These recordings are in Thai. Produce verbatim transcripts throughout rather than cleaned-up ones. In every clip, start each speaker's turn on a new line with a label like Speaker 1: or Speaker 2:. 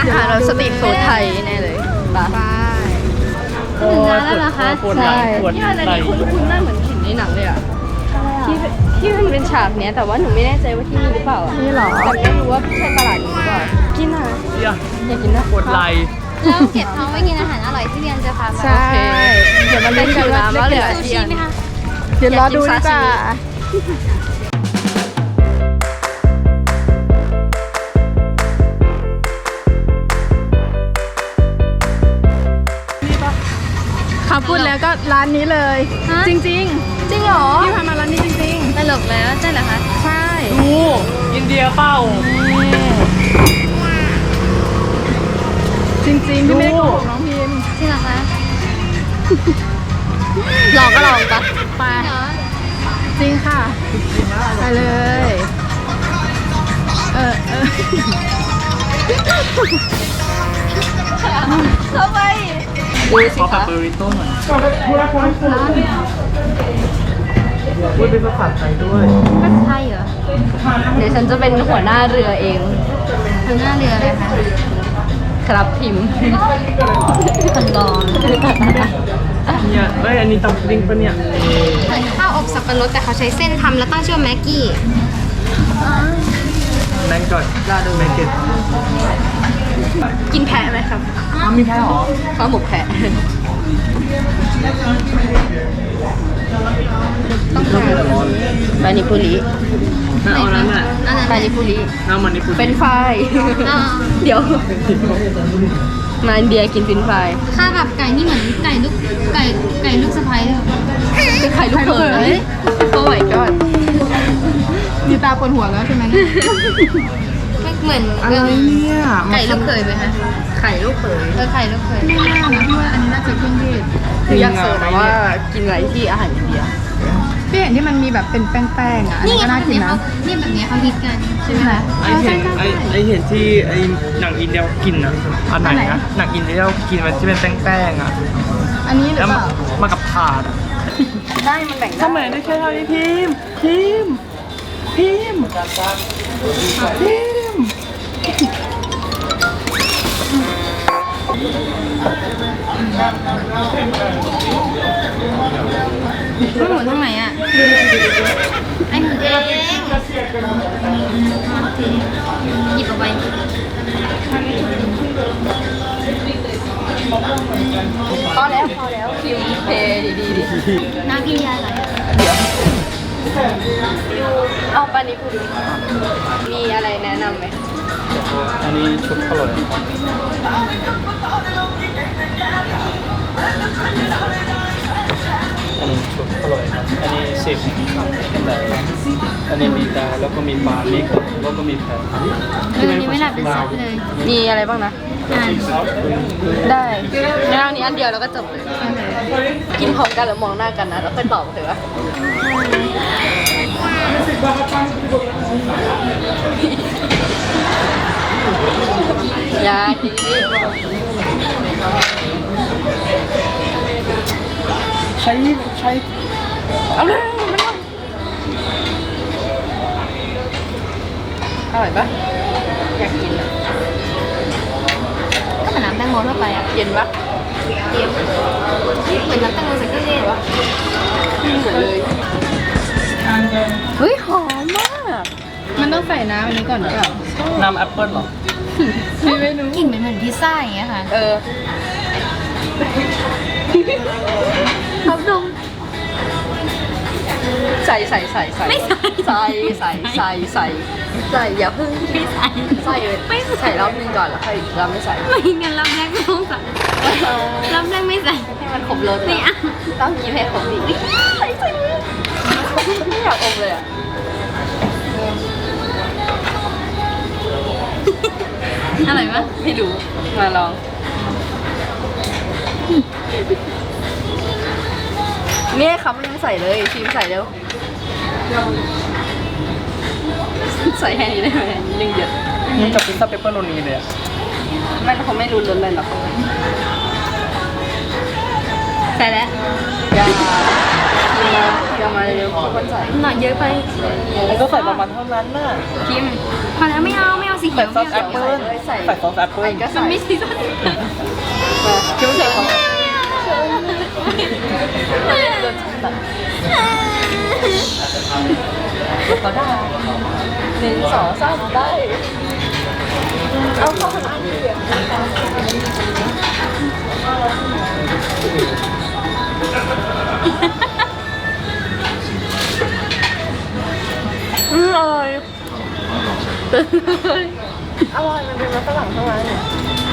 Speaker 1: อาหารแบบสตรีทฟู้ดไทยแน่เลยป่ะ
Speaker 2: ถึงร้านแล้วเหรอคะ
Speaker 1: ใช่ที่ร้านนี้คุ้นๆน่าเหมือนเห็นในหนังเลยอ่ะที่ที่มันเป็นฉากเนี้ยแต่ว่าหนูไม่แน่ใจว่าที่นี่หรือเปล่านี่หรอแต่ไม่รู้ว่าใช่ตลาดนี้หรือเปล่ากินอ่ะอยากกินนะ
Speaker 3: กดไลค์
Speaker 2: แล้วเก็บท้องไว้กินอาหารอร่อยที่เรียนจะพาไป
Speaker 1: ใช่เดี๋ยวมาเล่นกันว่าว่าเหลือ
Speaker 2: ซู
Speaker 1: ที่
Speaker 2: ชิ
Speaker 1: อัน
Speaker 2: ไหมคะ
Speaker 1: เดี๋ยวรอดูดีกว่าเขาพูดแล้วก็ร้านนี้เลย จริงจริงจริงเหรอพี่พามาร้านนี้จริง
Speaker 2: ตลกแล้วใช่เหรอคะ
Speaker 1: ๆใช่
Speaker 3: ดูอินเดียเป้า
Speaker 1: จริงจริงๆพี่ไม่ได้โกหกน้องพิม
Speaker 2: จริงเหรอคะ
Speaker 1: ลองก็ลองปะไป
Speaker 2: เหรอ
Speaker 1: จริงค่ะไปเลยเออเออเข้าไปดูสิ
Speaker 3: ขอแบบ
Speaker 1: คะ
Speaker 3: เบอร์ริโต้หน่อยพูดเป็นภาษาไทยด้วย
Speaker 2: ภาษาไทยเหรอ
Speaker 1: เดี๋ยวฉันจะเป็นหัวหน้าเรือเอง
Speaker 2: ทางหน้าเรืออะไรคะ
Speaker 1: ครับพิมพ์
Speaker 2: คนรอง
Speaker 3: เนี่ยเอ้ยอันนี้ตับลิงปะเนี่ย
Speaker 2: เหมือนข้าวอบสับปะรดแต่เขาใช้เส้นทำแล้วตั้งชื่อว่าแม็กกี้
Speaker 3: แมงก่อน
Speaker 1: รอดู
Speaker 3: แมงเก็ต
Speaker 1: กินแพะไหมครับ
Speaker 3: อ้าวมีแพ้หรอ
Speaker 1: ข้าวหมกแพะต้องการปานิปุริ
Speaker 3: น่าเอานั้นอ่ะ
Speaker 2: อันนั้น
Speaker 1: ปานิปุริ
Speaker 3: น้ำมันนี่พูด
Speaker 1: เป็นไฟราย
Speaker 2: อ่า
Speaker 1: เดี๋ยว มาอินเดียกินฟินไฟราย
Speaker 2: ข้าวกับไก่นี่เหมือนไก่ลูกไก่ไก่ลูกสะใภ้เลย
Speaker 1: เป็นไข่ลูกเขยโอ้ยก็มีตาปนหัวแล้วใช่ไหม
Speaker 2: ไม่เหมือน
Speaker 3: อะไรเนี่ย
Speaker 2: ไก่ลูกเขยไหมคะ
Speaker 1: ไข่ลูกเขย
Speaker 2: เออไข่ลูกเขย
Speaker 1: พี่ว่าอันนี้น่าจะเครื่องเทศคืออยากเสิร์ฟนะว่ากินอะไรที่อาหารอินเดียพี่เห็นที่มันมีแบบเป็นแป้งๆอ่ะอัน
Speaker 2: นี่
Speaker 1: นี้
Speaker 2: ไง
Speaker 1: ก็น่ากินนะ
Speaker 2: นี่แบบนี้เขาฮิตกันใช่ไหมคะ
Speaker 3: ไอเห็นไอไอเห็นที่ไอหนังอินเดียกินนะอันไหนนะหนังอินเดียกินมันที่เป็นแป้งๆอ่ะ
Speaker 1: อันนี้หรือ
Speaker 3: แล้ว
Speaker 1: เป
Speaker 3: มา
Speaker 1: ล่า
Speaker 3: มากับถาดอ่ะ
Speaker 1: ได้มันแบ่งได้
Speaker 3: ทำไมได้แค่เท่านี้พิมพ์พิมพ์พิมพ์พิมพ์
Speaker 2: ไม่หมุนทางไหนอ่ะไอ้หมุนเองหยิบออกไป
Speaker 1: พอแล้วพอแล้วคิวเพย์ดีดีดี
Speaker 2: น้ำกินยาอะไร
Speaker 1: เดี๋ยวเอาปานิปุริมีอะไรแนะนำไหม
Speaker 3: อันนี้ชุดเท่าไหร่อันนี้ชุดเท่าไหร่ครับอันนี้สิบครับแต่อันนี้มีดาวแล้วก็มีปลามีกบแล้วก็มีแผ่น
Speaker 2: เออนี่ไม่หลับเป็นซับเลย
Speaker 1: มีอะไรบ้างนะ
Speaker 2: อ่าน
Speaker 1: ได้งั้นเอานี้อันเดียวแล้วก็จบเลยกินพร้อมกันหรือมองหน้ากันนะแล้วค่อยตอบเถอะวะยาดี
Speaker 3: ใช้ใช้เอาเลยมัน
Speaker 1: อร่อยปะอยากกินอะ
Speaker 2: ก็เหมือนน้ำแตงโมทั่วไปอ่ะ
Speaker 1: เย็นปะ
Speaker 2: เย็นเหมือนน้ำแตงโมใส่เครื่องเทศวะ
Speaker 1: เหมือนเลยเฮ้ยหอมมาก มันต้องใส่น้ำอันนี้ก่อนหรือเปล่า
Speaker 3: น้ำแอปเปิ้ลเหรอ
Speaker 1: พี่ไม่รู้
Speaker 2: กลิ่นเหมือนเหมือนพิซซ่าอย่างเงี้ยค่ะ
Speaker 1: เออครับดมใส่ใส่ใส่ใส่
Speaker 2: ไม่ใส่
Speaker 1: ใส่ใส่ใส่ใส่ใส่อย่าเพิ่ง
Speaker 2: ไม่ใส่
Speaker 1: ใส่เลย
Speaker 2: ไม่ใส่
Speaker 1: ใส่รอบนึงก่อนแล้วค่อยรอบไม่ใส่
Speaker 2: ไม่งั้นรอบแรกไม่ต้องใส่รอบแรกไม่ใส่
Speaker 1: ให้มันครบรส
Speaker 2: ไม่เอา
Speaker 1: ต้องกินให้ครบดิใส่ใส่ไม่อยากอมเลยอ่ะ
Speaker 2: อร่อยปะ
Speaker 1: ไม่รู้มาลองเนี่ยครับยังใส่เลยชิมใส่เร็วใส่แค่นี้ได้ไหมนึงเยอะ
Speaker 3: นี่กับพิซซ่าเปปเปอโรนีเลยอ่ะ
Speaker 1: มันคงไม่รู้รสเลยหรอก
Speaker 2: ใส่แล้ว
Speaker 1: อย่ามาเดี๋ยวมาเร็วๆคนใส่
Speaker 2: หน่อยเยอะไป
Speaker 3: มันก็ใส่ประมาณเท่านั้นน่ะ
Speaker 2: คิมพอแล้วไม่เอาไม่เอาสีเขี
Speaker 3: ใส่
Speaker 2: ยว
Speaker 3: ซอสแอปเปิ้ลใส่ซอสแอปเปิ้ล
Speaker 1: ก็
Speaker 2: มั
Speaker 1: ใส่
Speaker 2: นไม่ใช่ซอส
Speaker 1: มาคิวใส่ของเขาได้หนึ่งสองสามได้ เอาเข้าขนาดนี้เลยอืมอร่อยอร่อยมันเป็นมันฝรั่งทั้งนั้นเนี่ย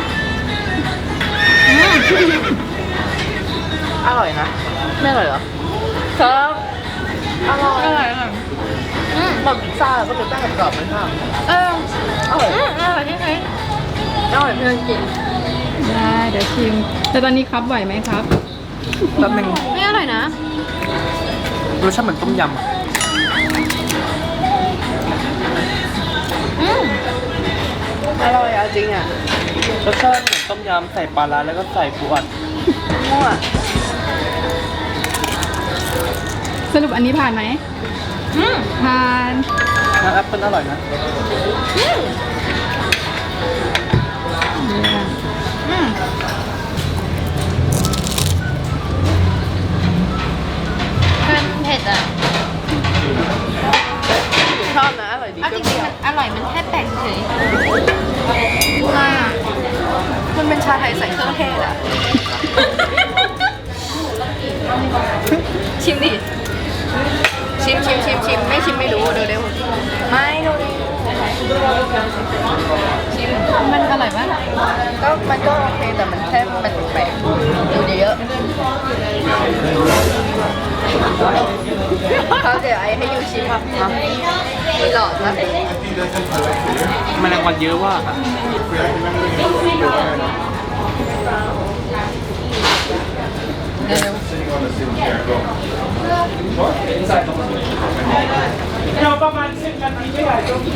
Speaker 1: อร่อยนะไม่อร่อยเหรอครับอร่อยอร่อยอร่อยอืมแบบพิซซ่าก็เป็นแป้งกรอบๆมันค่ะเอออร่อย
Speaker 2: อืมอร่อยที่ไหน
Speaker 1: อร่อยเพื่อนกิน
Speaker 4: ได้เดี๋ยวชิม แต่ตอนนี้ครับไหวไหมครับ
Speaker 3: แป๊บนึง
Speaker 2: ไม่อร่อยนะ
Speaker 3: รสชาติเหมือนต้มยำอะ
Speaker 2: อืม
Speaker 1: อร่อยอ่ะจริงอ่ะ
Speaker 3: รสชาติเหมือนต้มยำใส่ปลาร้าแล้วก็ใส่ปูอัด
Speaker 1: มั่ว
Speaker 4: สรุปอันนี้ผ่านไหม
Speaker 2: อืม
Speaker 4: ผ่าน
Speaker 3: น้ำแอปเปิ้ลอร่อยนะ
Speaker 4: เนี่ย
Speaker 2: อืมมันเผ็ดอ่ะ
Speaker 1: ชอบนะอร่อยดี
Speaker 2: เอาจริงๆมันอร่อยมันแค่แปลกเฉย
Speaker 1: มากมันเป็นชาไทยใส่เครื่องเทศอ่ะ ชิมดิ ชิมชิมชิมชิมไม่ชิมไม่รู้เดี๋ยวเดี๋ยวไม่ดูดิชิม
Speaker 2: มันอร่อยปะ
Speaker 1: ก็มันก็โอเคแต่มันแค่มันแปลกๆดูเยอะเขาเดี๋ยวไอ้ให้ยูชิมครับมามีหลอดนะ
Speaker 3: แมลงวันเยอะว่ะ
Speaker 1: เดี๋ยว
Speaker 3: เราประมาณสิบนาทีไม่ไหวจบ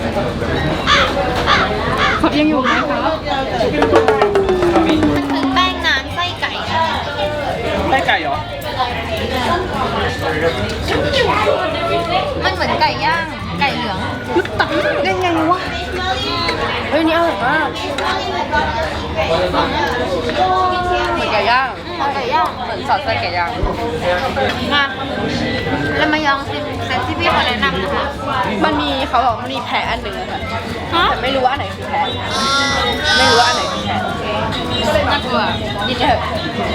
Speaker 4: ครับยังอยู่ไหมครับ
Speaker 2: มันคือแป้งน้ำไส้ไก่อะ
Speaker 3: ได้ไก่เหรอ
Speaker 2: มันเหมือนไก่ย่าง ไก่เหลือง
Speaker 1: ตักได้ไงวะเฮ้ยนี่อร่อยมากเหมือนไก่ย่าง
Speaker 2: ไก่ย่าง
Speaker 1: เหมือนซอสไส้ไก่ย่าง
Speaker 2: มาแล้วมายองชิมเซตที่พี่เขาแนะนำนะคะ
Speaker 1: มันมีเขาบอกมันมีแพะอันหนึ่งอะค่ะ
Speaker 2: ฮะ
Speaker 1: แต่ไม่รู้ว่าอันไหนคือแพะไม่รู้ว่าอันไหนคือแพะ
Speaker 2: น่ากลัว
Speaker 1: กินเถอะ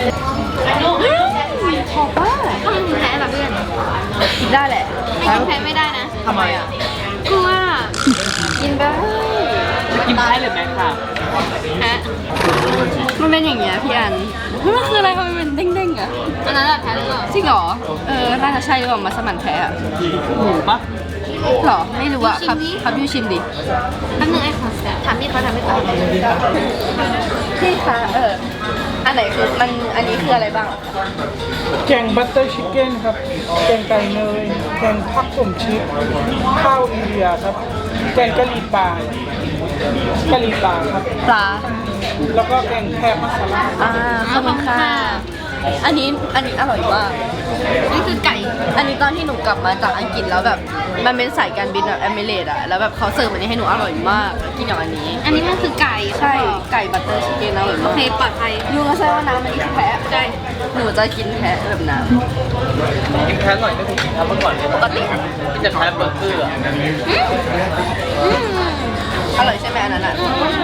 Speaker 1: ขอบว่า
Speaker 2: ถ้ามันแพ้เหรอเพื่อน
Speaker 1: กินได้แหละ
Speaker 2: ให้กินแพ้ไม่ได้นะ
Speaker 3: ทำไมอ่ะ
Speaker 2: กลัว
Speaker 1: กินได้
Speaker 3: กินได้เลยไหมค่ะ
Speaker 2: แพ้
Speaker 1: มันเป็นอย่างเงี้ยพี่อันมันคืออะไรทำไมมันเด้งๆอ่ะ
Speaker 2: อันนั้นแหละแพ้หรือเปล่า
Speaker 1: จริงเหรอเออน่าจะใช่หรือเปล่ามัสมั่นแพะอะ
Speaker 3: หมูปะ
Speaker 1: หรอไม่รู้อะครับครับยูชิมดิ
Speaker 2: แป๊บนึงไอ้ขอถามพี่เขาถามพี่เขา
Speaker 1: พี่คะเอออันไหนคือมันอันนี้คืออะไรบ้างอะ
Speaker 5: แกงบัตเตอร์ชิคเก้นครับ แกงไก่เนย แกงผักผมชีสข้าวอินเดียครับ แกงกะหรี่ป่ากะหรี่ป่าครับ
Speaker 1: ปลา
Speaker 5: แล้วก็แกงแคบมัสลา
Speaker 1: อ่าขอบคุณค่ะอันนี้อันนี้อร่อยมาก
Speaker 2: นี่คือไก่
Speaker 1: อันนี้ตอนที่หนูกลับมาจากอังกฤษแล้วแบบมันเป็นสายการบินแบบแอมเมเรตอะแล้วแบบเขาเสิร์ฟอันนี้ให้หนูอร่อยมากกินอย่างอันนี้
Speaker 2: อันนี้มันคือไก่
Speaker 1: ใช่ไก่บัตเตอร์ชิคเก้นอร่อย
Speaker 2: โอ
Speaker 1: มาก
Speaker 2: เคปลอดภัย
Speaker 1: ยูก็ใช่ว่าน้ำมันนี่คือแพะใช่หนูจะกินแพะแบบน้
Speaker 3: กินแพ้หน่อยก็ถูกกินแพ้เมื่อก่อนเลย
Speaker 1: ำปกติ
Speaker 3: กินแต่แพ้เบอร์เกอร์อะ
Speaker 2: อืม
Speaker 1: อร่อยใช่ไหมอันนั้นอะ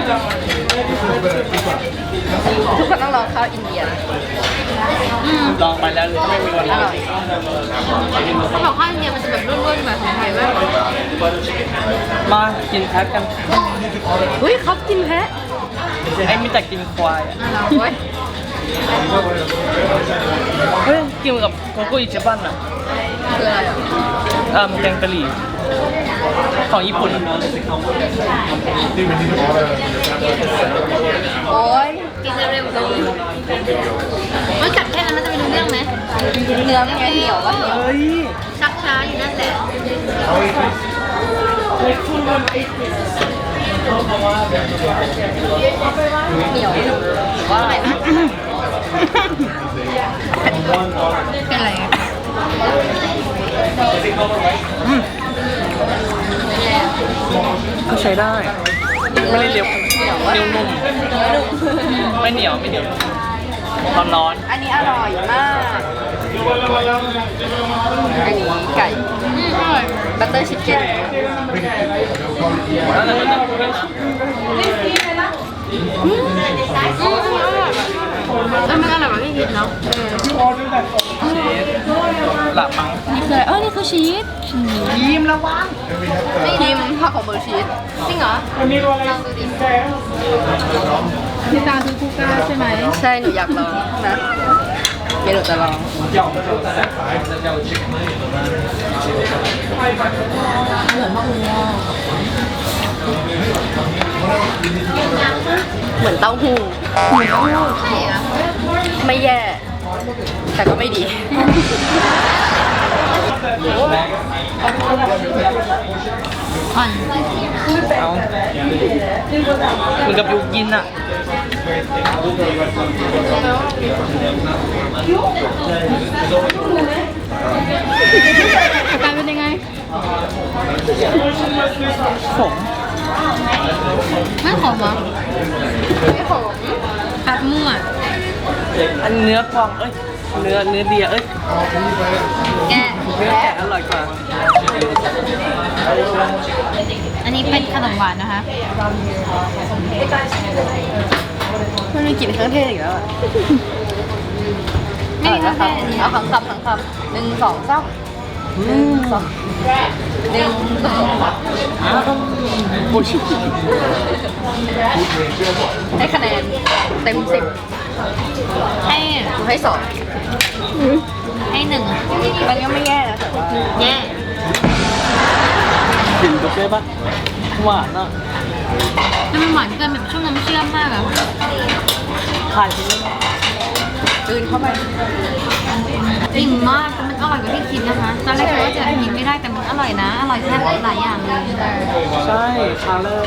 Speaker 1: ทุกคนต้องลองข้าวอินเดียนะ
Speaker 2: อืม
Speaker 3: ลองไปแล้วไม่มีวัน
Speaker 1: อร่อย
Speaker 2: เขาบอกข้าวอินเดียมันจะแบบร่วนๆแบบของไทยมาก
Speaker 3: มากินแพ้กัน
Speaker 1: เฮ้ยเขากินแพะ
Speaker 3: ไอ้มีแต่กินควายอ่ะ
Speaker 2: เราเว้ย
Speaker 3: เฮ้ยกินกับโกโก้อิจิบันอ่ะ
Speaker 1: คืออะไรอะ
Speaker 3: เอ่อแกงกะหรี่ของญี่ปุ่น
Speaker 1: โอ้ย
Speaker 2: กินเร็วๆเลยมันกัดแค่นั้นมันจะไปรู้เรื่องไหม
Speaker 1: เนื้อมันไงเหนียวก็เหนียว
Speaker 3: เฮ้ย
Speaker 2: ชักช้าอยู่นั่นแหละ
Speaker 1: เหนียวหรือว่าอะไรนะ
Speaker 2: เป็นไรอะ
Speaker 1: เ
Speaker 3: ก็ใช้ได้ ไม่ได้เร็วเร็วนุ่มไม่เหนียวไม่เหนียวร้อนร้อน
Speaker 1: อันนี้อร่อยมาก อันนี้ไก่บัตเตอร์ชิคเก้น
Speaker 3: แล้วแต่มันจะ
Speaker 2: แล้วมันอร่อยกว่าที่คิดเนาะ
Speaker 3: ชีสหลับมั้ง
Speaker 2: นี่คือเออนี่คือชีส
Speaker 3: ยิ้มระวัง
Speaker 1: ทีมผักของเบอร์ชีส
Speaker 2: จริงเหรอ
Speaker 5: วันนี้เราอะไร
Speaker 2: ลองดูดิ
Speaker 5: แกง
Speaker 4: พี่ตาซื้อคูก้าใช่ไหม
Speaker 1: ใช่ หนูอยากลองนะเดี๋ยวหนูจะลอง เหมือนเต้าหู้
Speaker 2: ใช่อะ
Speaker 1: ไม่แย่ แต่ก็ไม่ดี
Speaker 2: อ่อน
Speaker 3: เอาเหมือนกับยูกินอ่ะ
Speaker 4: อาการเป็นยังไง
Speaker 3: ขม
Speaker 2: ไม่ขมเหรอไม่ขมผัดมั่ว
Speaker 3: อันเนื้อกวางเอ้ย เนื้อเนื้อเดียเอ้ย
Speaker 2: แกะ
Speaker 3: เนื้อแกะอร่อยกว่า
Speaker 2: อันนี้เป็นขนมหวานนะคะ
Speaker 1: มันมีกลิ่นเครื่องเทศอีกแล้วอะ
Speaker 2: ไม่มีเครื่องเทศอันนี้
Speaker 1: เอาขังคำขังคำหนึ่งสองสามหนึ่งสองหนึ่งสอง
Speaker 3: โอ้ชิ
Speaker 1: ให้คะแนนเต็มสิบ
Speaker 2: ให้
Speaker 1: หนูให้สอง
Speaker 2: ให้หนึ่ง
Speaker 1: มันก็ไม่แย่นะแต่ว่า
Speaker 2: แย่
Speaker 3: กลิ่นก็ได้ปะหวานอ่ะ
Speaker 2: แล้วมันหวานเกินแบบช่วงน้ำเชื่อมมากอะ
Speaker 3: ทานที่นี่
Speaker 1: ตื่นเข้าไป
Speaker 2: อิ่มมากแต่มันอร่อยกว่าที่คิดนะคะ ตอนแรกคิดว่าจะกินไม่ได้แต่มันอร่อยนะ อร่อยแค่หลายอย่างเลย
Speaker 3: ใช่คาเลอร์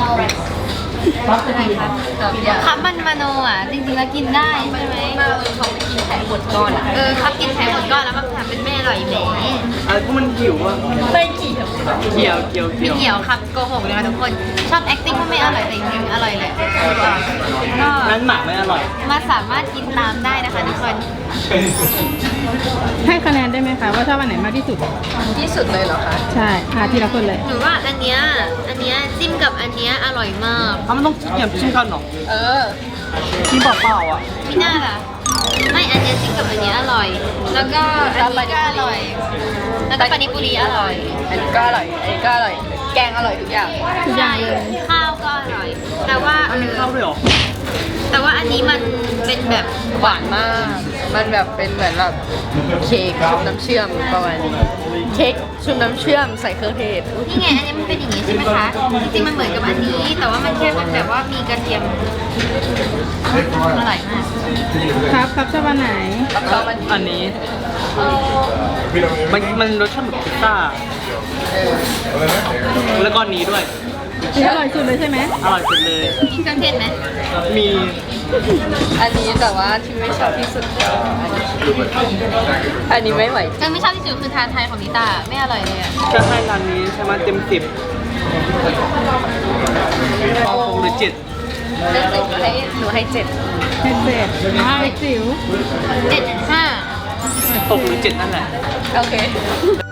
Speaker 2: อะไรคะคับมันมาโนอ่ะ จริงๆแล้วกินได้ใช่ไหม
Speaker 1: มาเออเขาไปกินแผงหมดก้อนอะ
Speaker 2: เออครับกินไข่หมดก้อนแล้วมาถามเป็นแม่อร่อยแหม
Speaker 3: อะไรพวกมันหิวอ่ะ
Speaker 1: ไม่เกี่ยว
Speaker 3: เกี่ยวเกี่ยว
Speaker 2: ไม่
Speaker 3: เกี่ยว
Speaker 2: เกี่ยวครับโกหกเลยนะทุกคน ชอบ acting ว่าไม่อร่อยแต่จริงๆอร่อยแหละก็
Speaker 3: นั้นหมาไม่อร่อย
Speaker 2: มาสามารถกินตามได้นะคะทุกคน
Speaker 4: ให้คะแนนได้ไหมคะว่าชอบอันไหนมากที่สุด
Speaker 1: ที่สุดเลยเหรอคะ
Speaker 4: ใช่อาทีละคนเลย
Speaker 2: หนูว่าอันเนี้ยอันเนี้ยจิ้มกับอันเนี้ยอร่อยมาก
Speaker 3: ถ้ามันต้องเกี่ยวชิ้นข้าวหนอง
Speaker 1: เออ
Speaker 3: กินเปล่าๆอ่ะ
Speaker 2: ไม่น่าล่ะ ไม่อันเนี้ยจิ้มกับอันเนี้ยอร่อย แล้วก็อันนี้ก็อร่อย แล้วก็ปานิปุรีอร่อย
Speaker 1: อันนี้ก็อร่อย อันนี้ก็อร่อย แกงอร่อยทุกอย่าง
Speaker 4: ทุกอย่างเลย
Speaker 2: ข้าวก็อร่อย แต่ว่า
Speaker 3: อันนี้ข้าวด้วยเหรอ
Speaker 2: แต่ว่าอันนี้มันเป็นแบบ
Speaker 1: หวานมาก มันแบบเป็นเหมือนแบบเค้กชุบน้ำเชื่อมประมาณนี้ เค้กชุบน้ำเชื่อมใส่เครื่องเทศ
Speaker 2: นี่ไง อันนี้มันเป็นอย่างนี้ใช่ไหมคะ จริงๆมันเหมือนกับอันนี้ แต่ว่ามันแค่เป็นแบบว่ามีกระเทียมอร่อยมาก
Speaker 4: ครับครับชอบอันไหน
Speaker 1: แล้วก็มัน
Speaker 3: อันนี้ มันมันรสชาติแบบพิซซ่า แล้วก็อันนี้ด้วย
Speaker 4: นี่อร่อยสุดเลยใช่ไหม
Speaker 3: อร่อยสุดเลย
Speaker 2: มีเครื่องเทศไหม
Speaker 3: มี
Speaker 1: อันนี้แต่ว่าที่ไม่ชอบที่สุดก็อันนี้อันนี้ไม่ไหว
Speaker 2: ก็ไม่ชอบที่สุดคือทานไทยของนิตาไม่อร่อยเลยอะ
Speaker 3: จะให้ร้านนี้ใช่ไหมเต็มสิบเอาหกหรือเจ็ด
Speaker 1: เรื่องหนึ่งหนูให้หนูให้เจ็ด
Speaker 4: เผ็ดเผ็ดให้จิ๋ว
Speaker 2: เจ็ดห้า
Speaker 3: หกหรือเจ็ดนั่นแหละ
Speaker 1: โอเค